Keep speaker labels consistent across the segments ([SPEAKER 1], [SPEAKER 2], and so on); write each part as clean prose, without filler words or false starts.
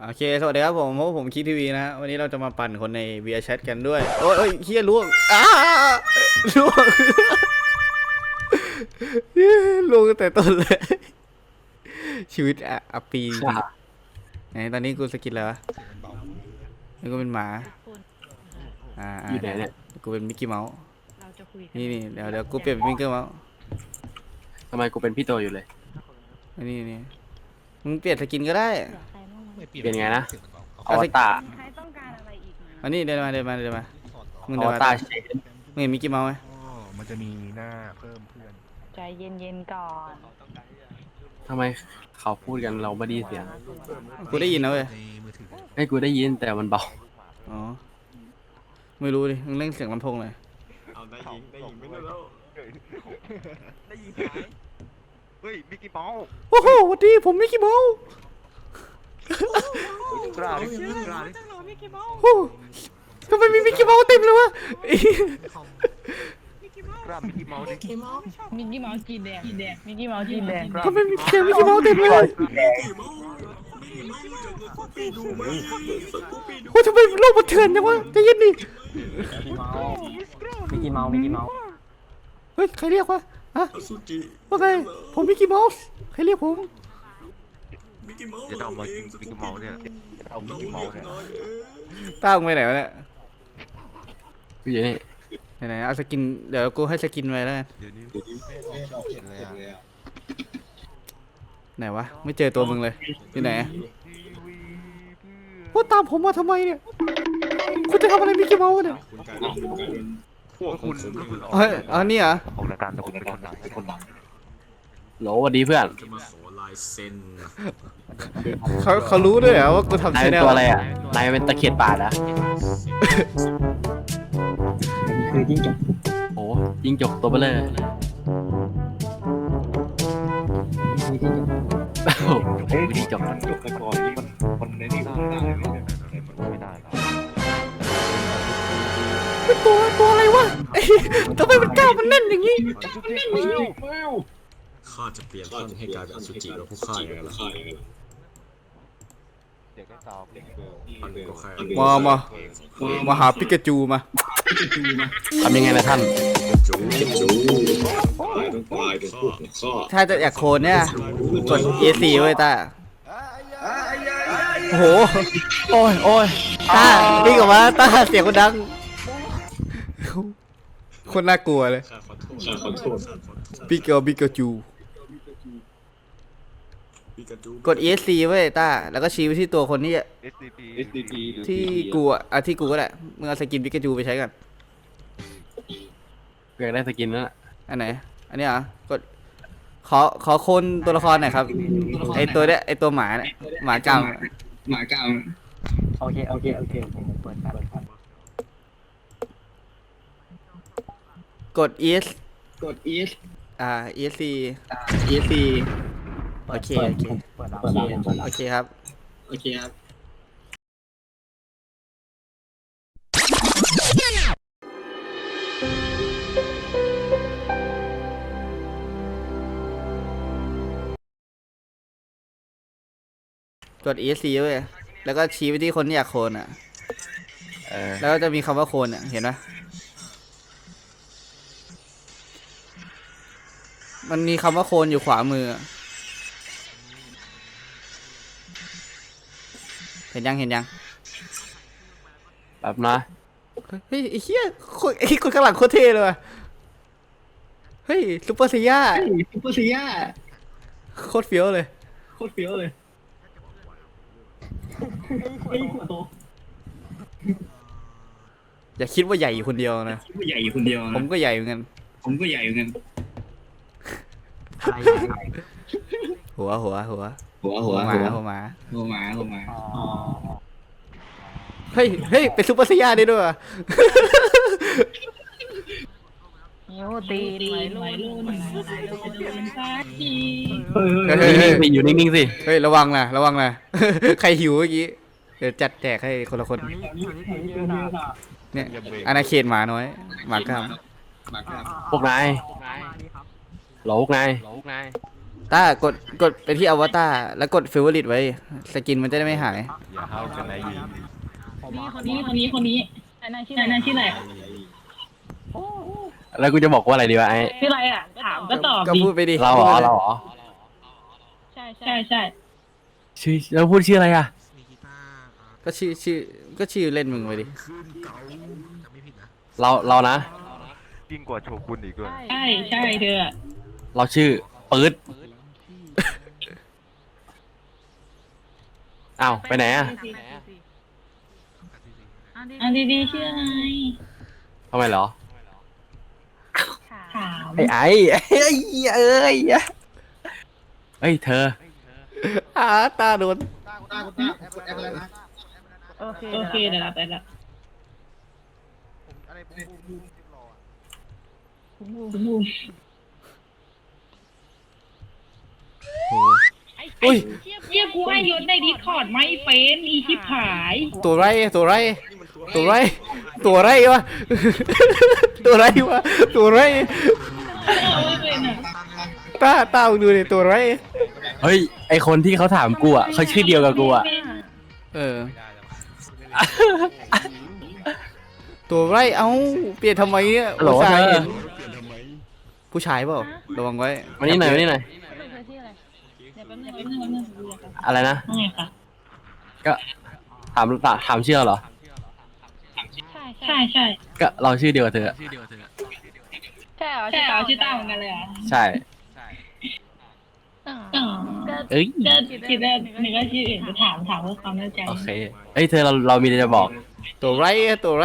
[SPEAKER 1] โอเคสวัสดีครับผมเพราะผมคิดทีวีนะฮะวันนี้เราจะมาปั่นคนใน VR Chat กันด้วยโอ้ยเฮียล่วงล่วงล่วงตั้งแต่ต้นเลยชีวิตอับปีจริงไหนตอนนี้กูสกินแล้วนี่กูเป็นหมา
[SPEAKER 2] อยู่ไหนเนี่ย
[SPEAKER 1] กูเป็นมิกกี้เมาส์นี่เดี๋ยวกูเปลี่ยนเป็นมิกกี้เมาส์
[SPEAKER 2] ทำไมกูเป็นพี่โตอยู่เลย
[SPEAKER 1] นี่มึงเปลี่ยนสกินก็ได้
[SPEAKER 2] เปลี่ยนไงนะอวตาร
[SPEAKER 1] อันนี้เดินมามึง
[SPEAKER 2] อ
[SPEAKER 1] เดินมา
[SPEAKER 2] วตารเชน
[SPEAKER 1] มึงเห็นมิกกี้เมาส์ไหม
[SPEAKER 3] มันจะมีหน้าเพิ่มเพื่อน
[SPEAKER 4] ใจเย็นๆก่อน
[SPEAKER 2] ทำไมเขาพูดกันเราไม่ได้ยินเสียง
[SPEAKER 1] กูได้ยินนะเว้ย
[SPEAKER 3] ในมือถือ
[SPEAKER 2] ให้กูได้ยินแต่มันเบา
[SPEAKER 1] อ๋อไม่รู้ดิมึงเล่นเสียงลำโพงเลย
[SPEAKER 5] เอาได้ยิงไม่ได้แล้วได้ยิงหายเฮ้ยมิกกี้เมาส์
[SPEAKER 1] โอ้โหสวัสดีผมมิกกี้เมาส์
[SPEAKER 5] กล้าดิกล้าดิ
[SPEAKER 1] โอ้ทำไมมีมิกกี้เมาส์เต็มเลยวะ
[SPEAKER 5] กล้ามิกกี้เมาส์ดิ
[SPEAKER 4] มิกกี้เมาส์จีนแดงมิกกี้เมาส์จีนแดง
[SPEAKER 1] ทำไมมีเสียงมิกกี้เมาส์เต็มเลยโอ้ทำไมโลกมันเถื่อนจังวะใจเย็นดิ
[SPEAKER 6] มิกกี้เมาส์
[SPEAKER 1] เฮ้ยใครเรียกวะฮะว่าไงผมมิกกี้เมาส์ใครเรียกผม
[SPEAKER 5] จะต้องมามิกกี้เมาส์เนี่ยเอามิกกี้เมาส์เนี่ย
[SPEAKER 1] ตั้งไปไหนวะเนี่ย
[SPEAKER 2] กูอยู่นี่
[SPEAKER 1] ไหนเอาสกินเดี๋ยวกูให้สกินไว้แล้วกัน
[SPEAKER 5] เดี๋ยวนี้ไม่ออกเขียนเลยอ่ะ
[SPEAKER 1] ไหนวะไม่เจอตัวมึงเลยอยู่ไหนว่าตามผมมาทำไมเนี่ยคุณจะทำอะไรมิกกี้เมาส์เนี่ย
[SPEAKER 5] พวกคุณ
[SPEAKER 1] เฮ้ยอันนี้เหรอ
[SPEAKER 5] ของรายการแต่คุณเป็นคนดัง
[SPEAKER 2] โหลสวัสดีเพื่อน
[SPEAKER 1] เขารู้ด้วยเหรอว่ากูทำ
[SPEAKER 2] นาย
[SPEAKER 1] ช
[SPEAKER 2] เป็น
[SPEAKER 1] แนล
[SPEAKER 2] ตัวอะไรอ่ะนายเป็นตะเขียนป่านะ
[SPEAKER 6] คือจิ้งจก
[SPEAKER 2] โอ้ยิงจกตัวเบลอ
[SPEAKER 6] คือจิ้งจก
[SPEAKER 2] โอ้โหวิธีจก
[SPEAKER 5] จบไปก่อนนี่มันในนี่มันได้ไม่ได้ไม่ได้
[SPEAKER 1] เป็นตัวอะไรวะเอ้ยทำไมมันกล้ามันแน่นอย่างนี้
[SPEAKER 7] ข้าจะเปลี่ยนท่านให้กลายเป็นอสุจิแล้วผู้ฆ่าอย่างไรล่ะ
[SPEAKER 5] เด็กก็ตอบเด็กเบล
[SPEAKER 7] ท่านก็แค่
[SPEAKER 1] มาหาปิกาจูมา
[SPEAKER 2] ทำยังไงนะท่าน
[SPEAKER 7] จูต้องกลายเป็นพวกข้า
[SPEAKER 1] ถ้าจะอยากโคนเนี่ยกด E4 ไว้ตาโอ้โห
[SPEAKER 2] โอ้ยโอ้ย
[SPEAKER 1] ตานี่กับว่าตาเสียงคนดังคนน่ากลัวเลย
[SPEAKER 7] ข้าขอโทษ
[SPEAKER 1] ปิกาจู
[SPEAKER 7] ปิกาจู
[SPEAKER 1] กด ESC ไว้ตาแล้วก็ชี้ไปที่ตัวคนที่
[SPEAKER 5] SDP
[SPEAKER 1] ที่กูอ่ะที่กูก็ได้มึงเอาสกินปิกาจูไปใช้กัน
[SPEAKER 2] เพื่อนได้สกินแล้วน่ะ
[SPEAKER 1] อันไหนอันนี้เหรอกดขอโคนตัวละครหน่อยครับไอตัวเนี้ยไอตัวหมาเนี่ยหมาจำ
[SPEAKER 6] โอเคเปิดครับ
[SPEAKER 1] กด ES ESC โอเค
[SPEAKER 6] เปิดแล้ว
[SPEAKER 1] โอเคครับกด ESC เว้ยแล้วก็ชี้ไปที่คนที่อยากโคนอ่ะ แล้วก็จะมีคำว่าโคนอ่ะเห็นไหมมันมีคำว่าโคนอยู่ขวามืออะเห็นยัง
[SPEAKER 2] แบบนะ
[SPEAKER 1] เฮ้ยไอ้เหี้ยคนข้างหลังโคตรเท่เลยว่ะเฮ้ยซุปเปอร์ซีย่าโคตรเฟี้ยวเลยอย่าคิดว่าใหญ่อยู่คนเดียวนะผมก็ใหญ่เหมือนกันหัวหมาเฮ้ยเป็นซุปเปอร์ซีย่าได้ด้วยว่ะ
[SPEAKER 4] นิ้วตีนไหลลุ่นสักที
[SPEAKER 1] เฮ้ย
[SPEAKER 2] นิ่งๆสิอยู่นิ่งๆสิ
[SPEAKER 1] เฮ้ยระวังนะ ใครหิวเมื่อกี้เดี๋ยวจัดแจกให้คนละคนเนี่ยอาณาเขตหมาน้อยหมากล้าม
[SPEAKER 2] พวกนายโหลพวกนาย
[SPEAKER 1] กดไปที่อวตารแล้วกดเฟเวอริตไว้สกินมันจะได้ไม่หาย
[SPEAKER 5] อย่าเข้ากันนะยิง
[SPEAKER 4] คนนี้ไอ้นายชื่ออะไร
[SPEAKER 2] แล้วกูจะบอกว่าอะไรดีวะไอ้
[SPEAKER 4] ชื่ออะไรอ่ะถามก็ตอบ
[SPEAKER 1] ก็
[SPEAKER 4] ดิ
[SPEAKER 1] พูดไปดิ
[SPEAKER 2] เราเหรอเราเหรอ
[SPEAKER 4] ใช่
[SPEAKER 2] ชื่อแล้วพูดชื่ออะไรอ่ะ
[SPEAKER 1] ก็ชื่อเล่นมึงไปดิ
[SPEAKER 2] เรานะ
[SPEAKER 5] ยิ่งกว่าโชกุนอีกด้วย
[SPEAKER 4] ใช่เธอ
[SPEAKER 2] เราชื่อปื๊ดอ้าวไปไหนอ่ะ
[SPEAKER 4] อันดีๆชื่ออะไร
[SPEAKER 2] ทำไมเหรอ
[SPEAKER 4] ถาม
[SPEAKER 2] ไอ้เอ้ยเธอ
[SPEAKER 1] ตาโดน
[SPEAKER 4] โอเคเดี๋ยวเราไปละ
[SPEAKER 2] อุ้ย
[SPEAKER 4] เรียกกูให้ยศในดิสคอร์ดไม่เป็นอีชิบหาย
[SPEAKER 1] ตัวไรวะตัวไรวะ ตัวไรวะตัวไร ตามึงดูดิตัวไร
[SPEAKER 2] เฮ้ยไอคนที่เขาถามกูอ่ะเขาชื่อเดียวกับกูอ่ะ
[SPEAKER 1] เออ ตัวไรเอ้าเปลี่ยนทำไมเนี่ย
[SPEAKER 2] ฮัลโหล
[SPEAKER 1] อุตส่าห์
[SPEAKER 2] เธอ
[SPEAKER 1] เห็นผู้ชายเปล่าระวังไว้
[SPEAKER 2] มานี่หน่อยมานี่หน่อย อะไรนะ
[SPEAKER 4] ไงคะ
[SPEAKER 2] ก็ถามชื่อเหรอ
[SPEAKER 4] ใช่
[SPEAKER 2] ก็เราชื่อเดียวกับเธออะ
[SPEAKER 4] ใช่เหรอชื่อต้าเหมือนกันเลยอ่ะ
[SPEAKER 2] ใช่ เอ้ย
[SPEAKER 4] ก็คิดว่าหนึ่งก็ชื่ออื่นจะถามเพื่อความแน่ใจ
[SPEAKER 2] โอเคเอ้ยเธอเรามีอะไรจะบอก
[SPEAKER 1] ตัวไร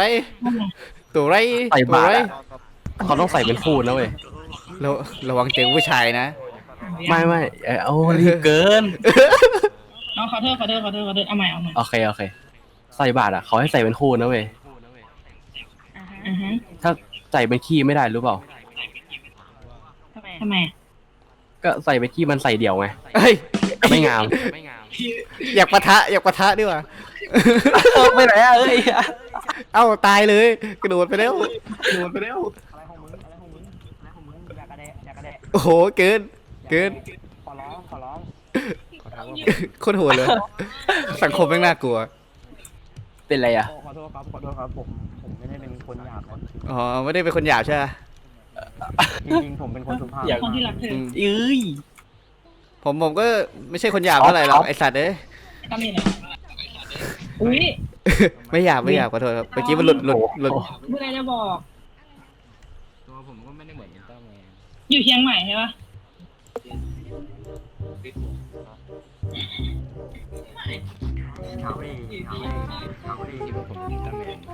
[SPEAKER 2] ใส่
[SPEAKER 1] ตัว
[SPEAKER 2] บาต
[SPEAKER 1] ไร
[SPEAKER 2] รอะเขาต้องใส่เป็นคู่นะเว้ย
[SPEAKER 1] ระวังเจอผู้ชายนะ
[SPEAKER 2] ไม่เอารีบเกิน
[SPEAKER 4] น้องขอโทษเอาใหม่
[SPEAKER 2] โอเคใส่บาตรอ่ะเขาให้ใส่เป็นคู่นะเว้ย ถ้าใส่เป็นขี้ไม่ได้รู้เปล่า
[SPEAKER 4] ทำไม
[SPEAKER 2] ก็ใส่เป็นขี้มันใส่เดี่ยวไง
[SPEAKER 1] เฮ้ย
[SPEAKER 2] ไม่งาม
[SPEAKER 1] อยากปะทะดีกว่า
[SPEAKER 2] ไปไหนอ่ะเอ้ย
[SPEAKER 1] เอ้าตายเลยกระโดดไปแล้ว
[SPEAKER 6] อะไรของมึงอยากกระแดะ
[SPEAKER 1] โอ้โหเกิน
[SPEAKER 6] ขอร้อง
[SPEAKER 1] โคตรโหดเลย สังคมแม่งน่ากลัว
[SPEAKER 2] เป็นไรอ่ะ
[SPEAKER 6] ขอโทษครับผมไม่ได้เป็นคนหยาบครับ
[SPEAKER 1] อ๋อไม่ได้เป็นคนหยาบใช่ไหม
[SPEAKER 6] จริงๆผมเป็นคนสุภาพ
[SPEAKER 4] คนที่รักเธอ
[SPEAKER 2] เอ้ย
[SPEAKER 1] ผมก็ไม่ใช่คนหยาบเท่าไหร่หรอกไอสัตว์เอ้ย
[SPEAKER 4] ก็มีนะอุ้ย
[SPEAKER 1] ไม่หยาบขอโทษครับเมื่อกี้มันหลุด
[SPEAKER 4] เมื่อไรจะบอก
[SPEAKER 3] ตัวผมก็ไม่ได้เหมือนต้าแมน
[SPEAKER 4] อยู่เชียงใหม่ใช่ปะ
[SPEAKER 3] ที่ว่าผมต้าแมน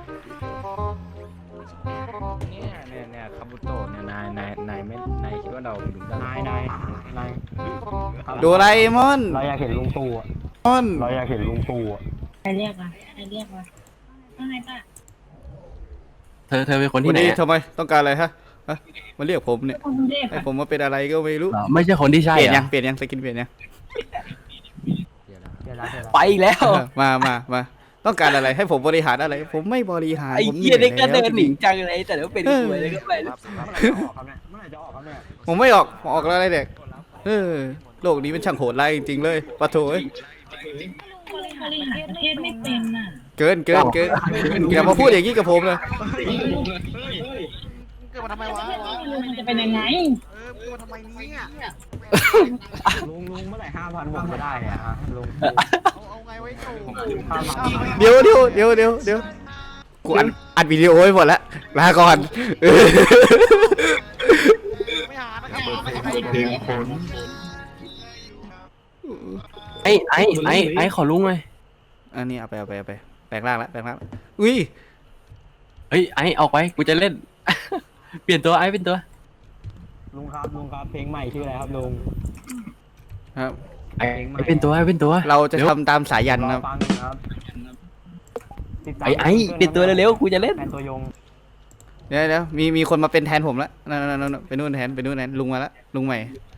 [SPEAKER 3] เนี่ยคาบุโตะเนี่ยนายไม่นายคิดว่าเราเป็นลุงต้าแมน
[SPEAKER 6] นาย
[SPEAKER 1] โดราเอมอน
[SPEAKER 6] เราอยากเห็นลุงตู่อะ
[SPEAKER 1] มอน
[SPEAKER 6] เราอยากเห็นลุงตู่อะ
[SPEAKER 4] ใครเรียกวะว่าไงป้า
[SPEAKER 2] เธอเป็นคนที่
[SPEAKER 1] วัน
[SPEAKER 2] ไหน
[SPEAKER 1] นี้
[SPEAKER 2] อะ
[SPEAKER 1] ทำไมต้องการอะไรฮะมาเรียกผมเนี่ย
[SPEAKER 4] คนเรียก
[SPEAKER 1] ให้ผมมาเป็นอะไรก็ไม่รู้
[SPEAKER 2] เหรอไม่ใช่คนที่ใช่
[SPEAKER 1] เปลี่ยน
[SPEAKER 2] เหร
[SPEAKER 1] ยั
[SPEAKER 2] อง
[SPEAKER 1] เปลี่ยนยังสกินเปลี่ยนยัง
[SPEAKER 3] เดี๋ยวนะ
[SPEAKER 6] เดี๋ยวนะ
[SPEAKER 2] ไปอีกแล้ว
[SPEAKER 1] มาต้องการอะไรให้ผมบริหารอะไร ผมไม่บริหาร
[SPEAKER 2] ไอ้
[SPEAKER 1] ผม
[SPEAKER 2] เหี้ยนี่ก็
[SPEAKER 1] หนื่
[SPEAKER 2] เดิ
[SPEAKER 1] อย
[SPEAKER 2] นหนีจังเลยแต่แล้วเป็นกูเลยก็ไป
[SPEAKER 6] เมื่อไหร่จะออกครับเนี่ย
[SPEAKER 1] ผมไม่ออกแล้วอะไรเด็กโลกนี้เป็นช่างโหดร้ายจริงๆเลยปะโถเอ้ย
[SPEAKER 4] บริหารประเทศไม่เป็นน่ะ
[SPEAKER 1] เกินอย่ามาพูดอย่างนี้กับผมเลย
[SPEAKER 5] เกิดมาทำไมวะ
[SPEAKER 4] มันจะเป็นยังไง
[SPEAKER 5] เกิดมาทำไมเนี่ย
[SPEAKER 6] ลุงเมื่อไหร่5,000ผมจะได้เนี่ยฮะลุง
[SPEAKER 5] เอาไงไว้โชว์
[SPEAKER 1] เดี๋ยวกูอัดวิดีโอไว้หมดแล้วลาก่อน
[SPEAKER 5] ไม่หานะครับ
[SPEAKER 2] ไอ้ขอลุงเลย
[SPEAKER 1] อันนี้เอาไปแปลงร่างแล้วอุ้ย
[SPEAKER 2] เฮ้ยไอ้ออกไปกูจะเล่น เปลี่ยนตัวไอ้เป็นตัว
[SPEAKER 6] ลุงครับเพลงใหม่ชื่ออะไรครับลุง
[SPEAKER 1] ครับ
[SPEAKER 2] ไอ้เป็นตัว
[SPEAKER 1] เราจะทำตามสายัน
[SPEAKER 6] รอ
[SPEAKER 1] นะ
[SPEAKER 6] ฟังอยู่ครับ
[SPEAKER 2] ไอ้เป็นตัวเร็วๆกูจะเล่น
[SPEAKER 6] แทนตัวยง
[SPEAKER 1] เดี๋ยวมีคนมาเป็นแทนผมแล้วนั่นไปนู่นแทนลุงมาแล้วลุงใหม่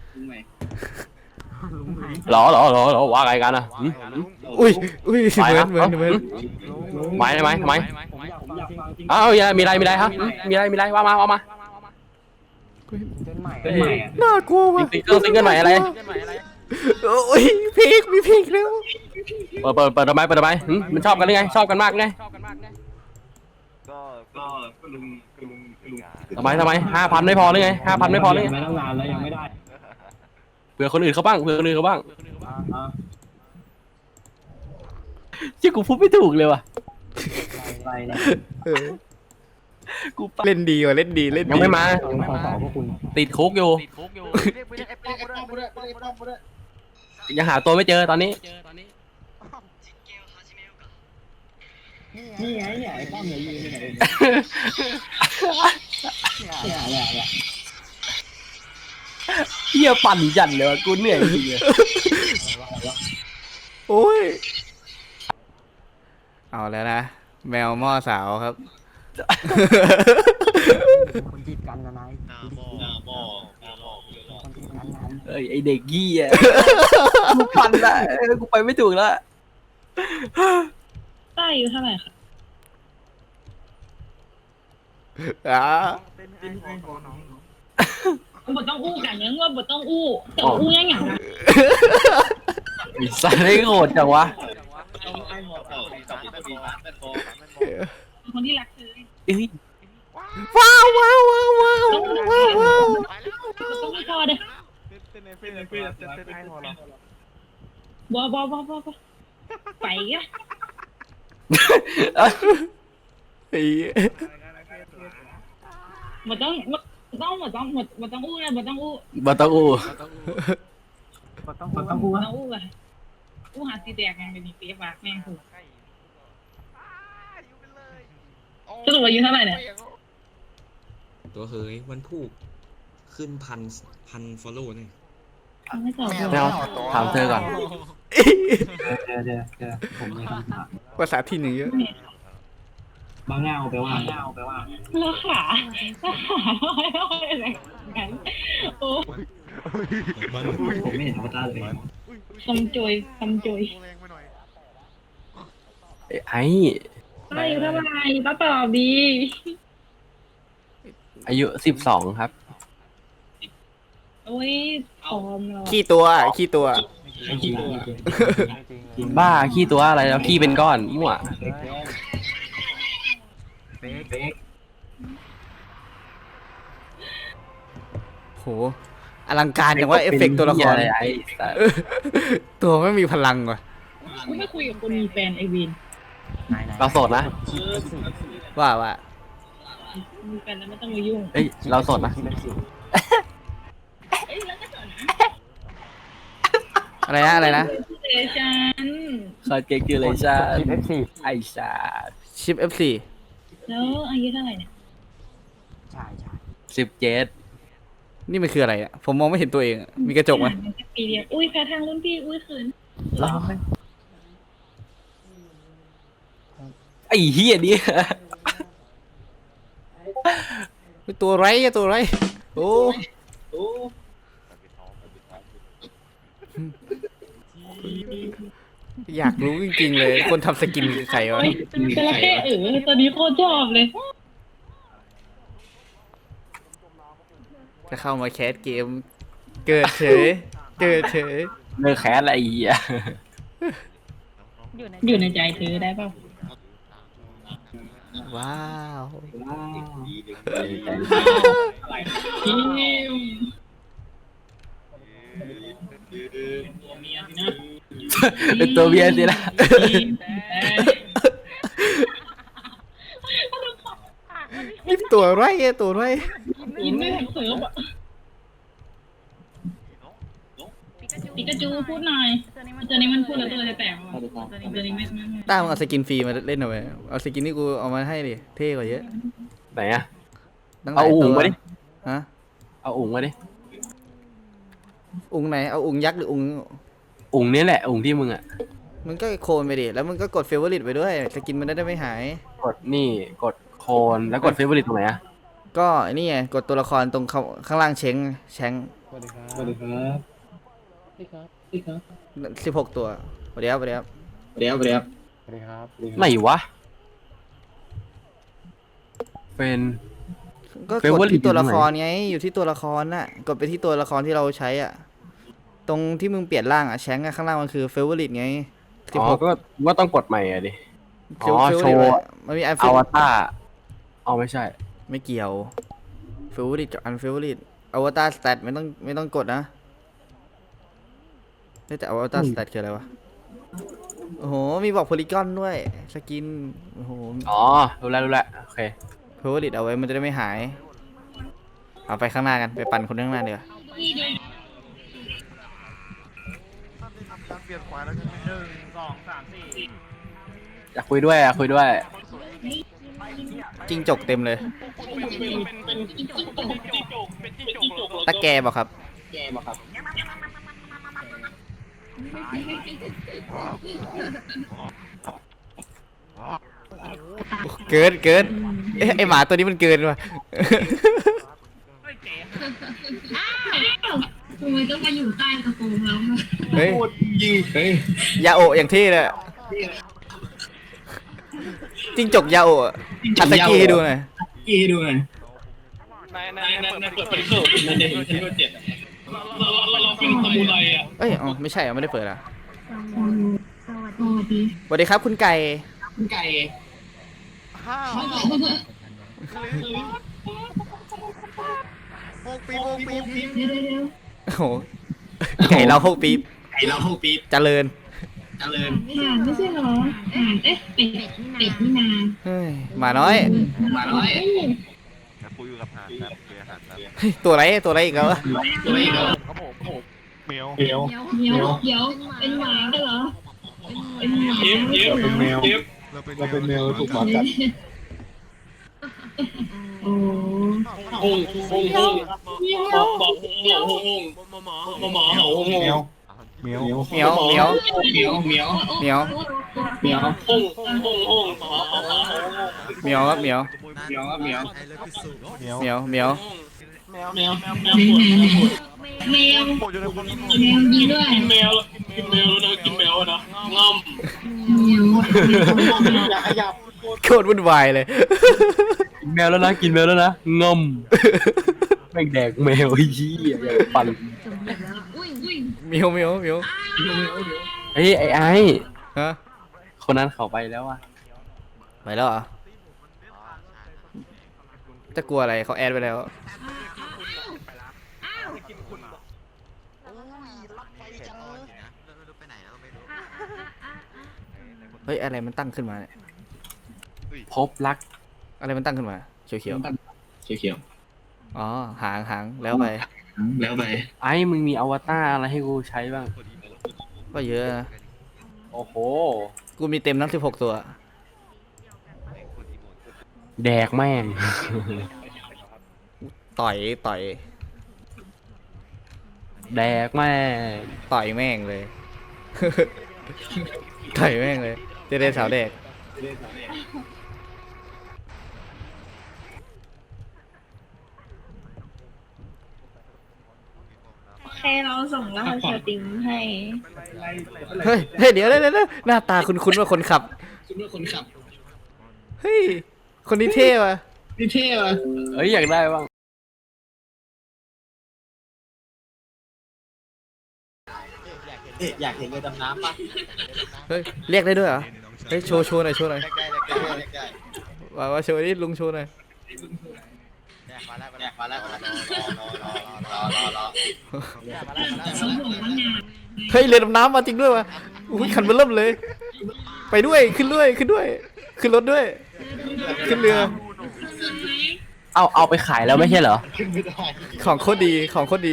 [SPEAKER 2] หรอว่าไงกันอ่ะ
[SPEAKER 1] อุ้ยเหมือน
[SPEAKER 2] หมายทำไม
[SPEAKER 6] ผมอยากฟังจริง
[SPEAKER 2] อ้าวมีอะไรครับมีอะไรว่ามา
[SPEAKER 6] จนใหม่อ่ะ
[SPEAKER 1] น่ากลัวว่ะ
[SPEAKER 2] ซิงเกิลใหม่อะไร
[SPEAKER 1] โอ้ยพีกมีพีกแล้ว
[SPEAKER 2] เปิดทำไมมันชอบกันหรือไงชอบกันมากไง
[SPEAKER 5] ก็ลุง
[SPEAKER 2] ทำไม5,000ไม่พอหรือไง5,000ไม่พอหรือไง
[SPEAKER 6] ไม่ต้องนานแล้วยังไม่ได้
[SPEAKER 2] เผื่อคนอื่นเขาบ้างที่กูพูดไม่ถูกเลยว่ะ
[SPEAKER 6] อะไรนะ
[SPEAKER 1] เออเล่นดีว่ะเล่นดี
[SPEAKER 2] ยังไม่มา
[SPEAKER 6] ยังขอสอบพวกคุณ
[SPEAKER 2] ติดคุกอยู่ยังหาตัวไม่เจอตอนนี้
[SPEAKER 6] นี่ไงเนี่ยไอ้ป้อมเนี่ยยืนอยู่ไหนเนี่ย
[SPEAKER 2] เฮียปั่นจัดเลยว่ะกูเหนื่อยจริงเลย
[SPEAKER 1] โอ้ยเอาแล้วนะแมวหม้อสาวครับ
[SPEAKER 6] คนจีบกันนะนาย
[SPEAKER 7] หน้าหม้อ
[SPEAKER 6] คนจีบกันนะ
[SPEAKER 2] เอ้ยไอเด็กยี่อ่ะกูปั่นละกูไปไม่ถูกแล้ว
[SPEAKER 4] ต้าอายุเท่าไหร่คะ
[SPEAKER 1] อ่า
[SPEAKER 4] บทต้องอู้กันยังว่าบทต้องอู้แต่ว่าอู้ยังไงนะ
[SPEAKER 2] ไอ้สัตว์ได้โหดจังวะ
[SPEAKER 4] คนที่รักเธอ
[SPEAKER 2] เอ้ย
[SPEAKER 1] ว้าว
[SPEAKER 4] ต้องไม่พอเด้อบ่ไปอ่ะ
[SPEAKER 1] ไอ้
[SPEAKER 4] บทต้องอู้นะบทต้องอู้
[SPEAKER 2] บาตาอู
[SPEAKER 6] ต้องพูด
[SPEAKER 4] บท
[SPEAKER 6] ว่า
[SPEAKER 4] ต้องอู้อะอู้หาตีแตกไงเป็นเปียปากแม่งถูกสรุปอายุเท่าไหร่เนี่ย
[SPEAKER 8] ตัวเฮ้ยมันถูกขึ้นพันฟอลโล่เนี่ย
[SPEAKER 4] ไม่ตอบ
[SPEAKER 2] ไม่เอาถามเธอก่อน
[SPEAKER 6] เดี๋ยวผมมีคำถาม
[SPEAKER 1] ภาษาที่หนึ่งเยอะ
[SPEAKER 6] บางเงาแปลว่า
[SPEAKER 4] แล้วขาอะไรกันโอ้
[SPEAKER 6] ผมไม่เห็นอวตารเลย
[SPEAKER 4] คำโจย
[SPEAKER 2] ไอ้
[SPEAKER 4] ป้าอายุเท่าไหร่ป้าตอบดี
[SPEAKER 2] อายุ12ครับ
[SPEAKER 4] โอ้ยพร้อมแล้ว
[SPEAKER 1] ขี้ตัว
[SPEAKER 6] ไม่จริง
[SPEAKER 2] บ้าขี้ตัวอะไรแล้วขี้เป็นก้อนมั่ว
[SPEAKER 6] เบ๊ก
[SPEAKER 1] โหอลังการอย่างว่าเอฟเฟกต์ตัวละคร
[SPEAKER 2] เป็นเหี้ยอะไรไอ้สัตว์
[SPEAKER 1] ตัวไม่มีพลังว่ะ
[SPEAKER 4] ไม่คุยกับคนมีแฟนไอวิน
[SPEAKER 2] เราโสดนะ
[SPEAKER 1] ว่า
[SPEAKER 4] มีแฟนแล้วไม่ต้องมายุ่ง
[SPEAKER 2] เอ้ยเราโสดนะ
[SPEAKER 4] เอ้ยแล้วก็สอน
[SPEAKER 1] อะไรนะ
[SPEAKER 4] เจฉัน
[SPEAKER 2] คอนเกตูเลชั่นไอ้สัตว์
[SPEAKER 1] ชิป F4
[SPEAKER 4] แล้วอายุเท่าไหร่เนี่ย
[SPEAKER 6] ใช่
[SPEAKER 2] 17
[SPEAKER 1] นี่มันคืออะไรอ่ะผมมองไม่เห็นตัวเองอะมีกระจกไหม
[SPEAKER 4] ปีเดียวอุ้ยแพ้ทางรุ่นพี่อุ้ยขืน
[SPEAKER 2] ไอ้เหี้ยนี่
[SPEAKER 1] ตัวไรโอ้อยากรู้จริงๆเลยคนทำสกินคือใครวะ
[SPEAKER 4] จระเข้ตอนนี้โคตรชอบเลย
[SPEAKER 1] จะเข้ามาแคสเกม เกิดเฉย
[SPEAKER 2] เลิกแคสอะไรไอ้เหี้ย
[SPEAKER 4] อยู่ในใจเธอได้เปล่า
[SPEAKER 1] ว้าว
[SPEAKER 4] พิม
[SPEAKER 2] เป็นตัวเบียร์สินะ
[SPEAKER 1] นี่ตัวไร
[SPEAKER 4] กินไม่ทันเสิร์ฟอ่ะปิกาจูพูดหน่อยตัวนี้มันพูดแล้วตัวจะแตกว่ะตัวนี้ไม่
[SPEAKER 1] ต้ามึงเอาสกินฟรีมาเล่นหน่อยเอาสกินที่กูเอามาให้ดิเท่กว่าเยอะ
[SPEAKER 2] ไหนอะ
[SPEAKER 1] ตั้งห
[SPEAKER 2] เอา
[SPEAKER 1] ลาย
[SPEAKER 2] อุ๋
[SPEAKER 1] ตั
[SPEAKER 2] ง
[SPEAKER 1] ว
[SPEAKER 2] มาดิ
[SPEAKER 1] ฮะ
[SPEAKER 2] เอาอุ๋งมาดิ
[SPEAKER 1] อุงไหนเอาอุงยักษ์หรืออุง
[SPEAKER 2] อุ๋งนี่แหละอุ๋งที่มึงอะ
[SPEAKER 1] มันก็โคนไปดิแล้วมึงก็กดเฟเวอร์ลิตไปด้วยสกินมันได้ไม่หาย
[SPEAKER 2] กดนี่กดโคนแล้วกดเฟเวอร์ริตตรงไหนอะ
[SPEAKER 1] ก็นี่ไงกดตัวละครตรงข้างล่างแชง
[SPEAKER 6] สวัสดีครับ
[SPEAKER 1] 16 ตัวสวัสดีครับ
[SPEAKER 2] ไหนวะเป็น
[SPEAKER 1] ก็กด
[SPEAKER 2] Favorite
[SPEAKER 1] ที่ตัวละคร
[SPEAKER 2] อยู่ตรงไหน
[SPEAKER 1] ไงอยู่ที่ตัวละครน่ะกดไปที่ตัวละครที่เราใช้อ่ะตรงที่มึงเปลี่ยนร่างอ่ะแชงค์อะข้างล่างมันคือเฟเวอร์ลิตไง
[SPEAKER 2] อ๋อก็ว่าต้องกดใหม่อะดิ อ๋อ
[SPEAKER 1] favorite
[SPEAKER 2] โชว์
[SPEAKER 1] มันมีอัน
[SPEAKER 2] อวตารเอาไม่ใช่
[SPEAKER 1] ไม่เกี่ยวเฟเวอร์ลิตกับอันเฟเวอร์ลิตอวตารสแตทไม่ต้องกดนะแต่อวตารสแตทคืออะไรวะโอ้โหมีบอกโพลีกอนด้วยสกินโอ้โห
[SPEAKER 2] อ๋อ รู้แล้วโอเค
[SPEAKER 1] เฟเวอร์ลิตเอาไว้มันจะได้ไม่หายเอาไปข้างหน้ากันไปปั่นคนข้างหน้าเดี๋ยวา
[SPEAKER 5] การเปลี่ยนขวาแล้วใช่ไหม
[SPEAKER 2] อยากคุยด้วย
[SPEAKER 1] จิ้งจกเต็มเลยตะแกบอกครับเกินเอ๊ะไอหมาตัวนี้มันเกินว่ะ
[SPEAKER 4] ทำไมต้องมาอยู่ใต้กระโปรงเรา
[SPEAKER 1] เฮ้ย
[SPEAKER 7] เฮ้ย
[SPEAKER 1] ยาโอะอย่างที่เลยจิ้งจกยาโอะอัตตะกี้ให้ดูหน่อย
[SPEAKER 6] กี้ให้ดูหน่อย
[SPEAKER 1] เอ้ยอ๋อไม่ใช่อ่ะไม่ได้เปิดอ่ะ
[SPEAKER 4] สวัสดี
[SPEAKER 1] สวัสดีครับคุณไก่
[SPEAKER 6] คุณไก่
[SPEAKER 5] ห้าโมกปี
[SPEAKER 4] เดี๋ยว
[SPEAKER 1] โอ้โหไก่เรา6 ปีบ
[SPEAKER 6] ไก่เราห้องปี๊บ
[SPEAKER 1] เจริญ
[SPEAKER 6] เจริญ
[SPEAKER 4] ห่านไม่ใช่เหรอห่านเอ๊ะเป็ดนี่นา
[SPEAKER 1] เฮ้ยหมาน้อย
[SPEAKER 6] มาน้อย
[SPEAKER 5] คุยกับหาดครับคุยกับหาดครับ
[SPEAKER 1] เฮ้ยตัวอะไรอีกแล้ววะ
[SPEAKER 6] ตัวอีกแล้ว
[SPEAKER 5] ครับผมเมียว
[SPEAKER 4] เดี๋ยวเป็นหมาได้เหรอเป็นหมา
[SPEAKER 5] เป็นแมวเราเป็นแมวถูกหมากัด
[SPEAKER 4] โอ้
[SPEAKER 5] เมียวเมียว
[SPEAKER 1] เหมียว
[SPEAKER 6] เหมียว
[SPEAKER 1] เหมียว
[SPEAKER 6] เหมียว
[SPEAKER 1] เหมียว
[SPEAKER 6] เหมียว
[SPEAKER 1] เหมียวครับเหมียว
[SPEAKER 6] เหมียวเหมียว
[SPEAKER 1] เหมียวเหมียว
[SPEAKER 4] แมว
[SPEAKER 5] โอ้ยอยู่ในคน
[SPEAKER 4] ยิงด้วยแมว
[SPEAKER 5] อยากขยับ
[SPEAKER 1] โคตรวุ่นวายเลย
[SPEAKER 2] กินแมวแล้วนะงอมแม่งแดกแมวไอ้เหี้ยอยากปั่น
[SPEAKER 1] เหมียวเหมียวเหมียว
[SPEAKER 2] เฮ้ยไอ้
[SPEAKER 1] ฮะ
[SPEAKER 2] คนนั้นเขาไปแล้วอะ
[SPEAKER 1] ไปแล้วเหรอจะกลัวอะไรเขาแอดไปแล้วเฮ้ยอะไรมันตั้งขึ้นมาเนี่ย
[SPEAKER 2] พบรัก
[SPEAKER 1] อะไรมันตั้งขึ้นมาเขียว
[SPEAKER 6] เขียว
[SPEAKER 1] ๆอ๋อหางแล้วไป
[SPEAKER 6] ๆแล้วไป
[SPEAKER 2] ไอ้มึงมีอวตารอะไรให้กูใช้บ้าง
[SPEAKER 1] ก็เยอะนะ
[SPEAKER 2] โอ้โห
[SPEAKER 1] กูมีเต็มทั้ง16 ตัว
[SPEAKER 2] แดกแม่ง
[SPEAKER 1] ต่อย
[SPEAKER 2] แดกแม่ง
[SPEAKER 1] ต่อยแม่งเลย ต่อยแม่งเลยเจเดสาวเด็ก
[SPEAKER 9] แค่เราส่งรหัสสตรีมให้
[SPEAKER 1] เฮ้ยเดี๋ยวหน้าตาคุ้นๆว่าคนขับ
[SPEAKER 6] คุณว่าคนขับ
[SPEAKER 1] เฮ้ยคนนี้เท่ว่ะ
[SPEAKER 6] นี่เท่ว่ะ
[SPEAKER 2] เอ้ยอยากได้บ้าง
[SPEAKER 6] อยากเห็นเรือดำน้ำปะ
[SPEAKER 1] เฮ้ยเรียกได้ด้วยเหรอเฮ้ยโชว์หน่อยว่าโชว์นี่ลุงโชว์หน่อย
[SPEAKER 5] มาแล้ว
[SPEAKER 4] สมบูรณ์งาน
[SPEAKER 1] เฮ้ยเรือดำน้ำมาจริงด้วยว่ะอุ้ยขันเบอร์เริ่มเลย ไปด้วยขึ้นด้วยขึ้นรถด้วยขึ้นเรือ
[SPEAKER 2] เอาไปขายแล้วไม่ใช่เหรอ
[SPEAKER 1] ของโคตรดี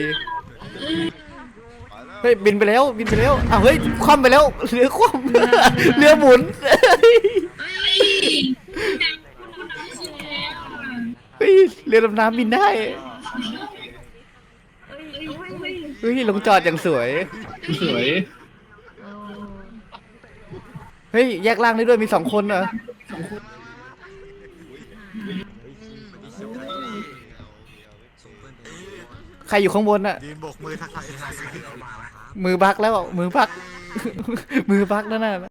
[SPEAKER 1] เฮ้ยบินไปแล้วอ้าวเฮ้ยคว่ำไปแล้วเรือคว่ำ เรือหมุนเฮ้ยเรือดำน้ำบินได้เฮ้ยลงจอดอย่างสวย
[SPEAKER 6] สวย
[SPEAKER 1] เฮ้ยแยกล่างได้ด้วยมี2 คนเหรอใครอยู่ข้างบนอะ
[SPEAKER 5] ยืนโบกมือทักทาย
[SPEAKER 1] มือบักแล้วมือบัก มือบักนั่นน่ะ